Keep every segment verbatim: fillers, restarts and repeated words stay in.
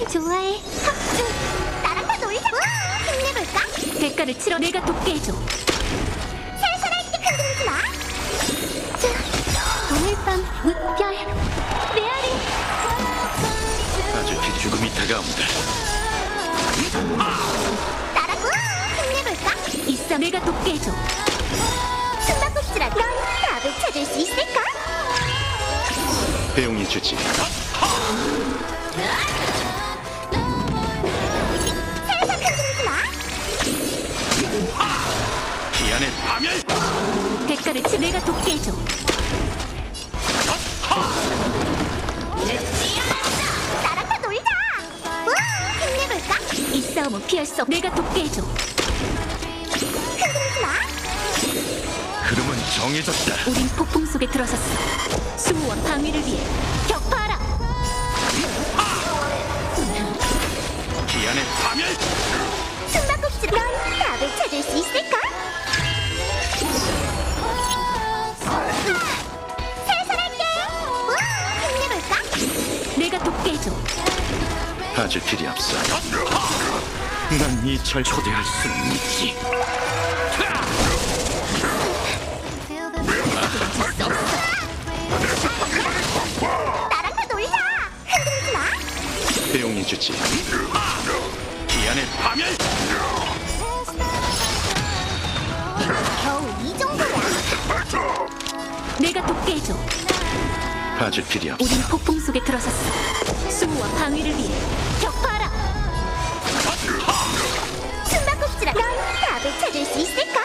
좋아해. 합주. 나랑 다 놀자. 우와, 힘내볼까? 대가를 치러 내가 돕게 해줘. 살살할게. 흔들리지 마. 자, 오늘 밤 무별 메아리. 아주 기 죽음이 다가온다. 나랑 우와, 힘내볼까? 있어 내가 돕게 해줘. 숨바꼭질아. 넌 답을 찾을 수 있을까? 배용이 주지. 살살 흔들리지 마. 기안의 파멸. 대가를 치 내가 돕게 해줘. 나랑 다 놀자. 우와, 힘내볼까? 이 싸움은 피할 수 없. 내가 돕게 해줘. 흔들리지 마. 흐름은 정해졌다. 우린 폭풍 속에 들어섰어. 수호와 방위를 위해 격파하라. 기안의 파멸. 숨바꼭질. 넌 답을 찾을 수 있을까? 살살할게. 우와, 힘내볼까? 내가 돕게 해줘. 아주 필요 없어. 난 이 절 초대할 수 있지. 나랑 다 놀자. 흔들리지 마. 배용이 주지. 기안의 파멸. 겨우 이 정도야. 내가 돕게 해줘. 아주 필요 없어. 우린 폭풍 속에 들어섰어. 수호와 방위를 위해 격파하라. 숨바꼭질아. 넌 답을 찾을 수 있을까?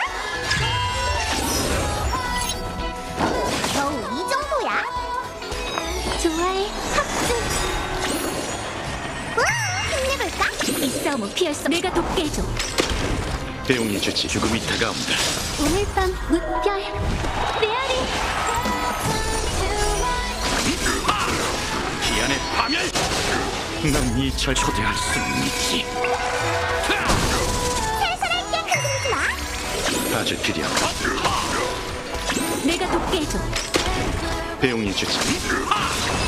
겨우 이 정도야. 좋아해. 합주. 우와, 힘내볼까? 이 싸움은 피할 수 없. 내가 돕게 해줘. 배용이 주지. 죽음이 다가온다. 오늘 밤 무별 메아리. 기안의 파멸. 난 이 절 초대할 수 있지. 살살할게. 흔들리지 마. 아주 필요 없어. 내가 돕게 해줘. 배용이 주지.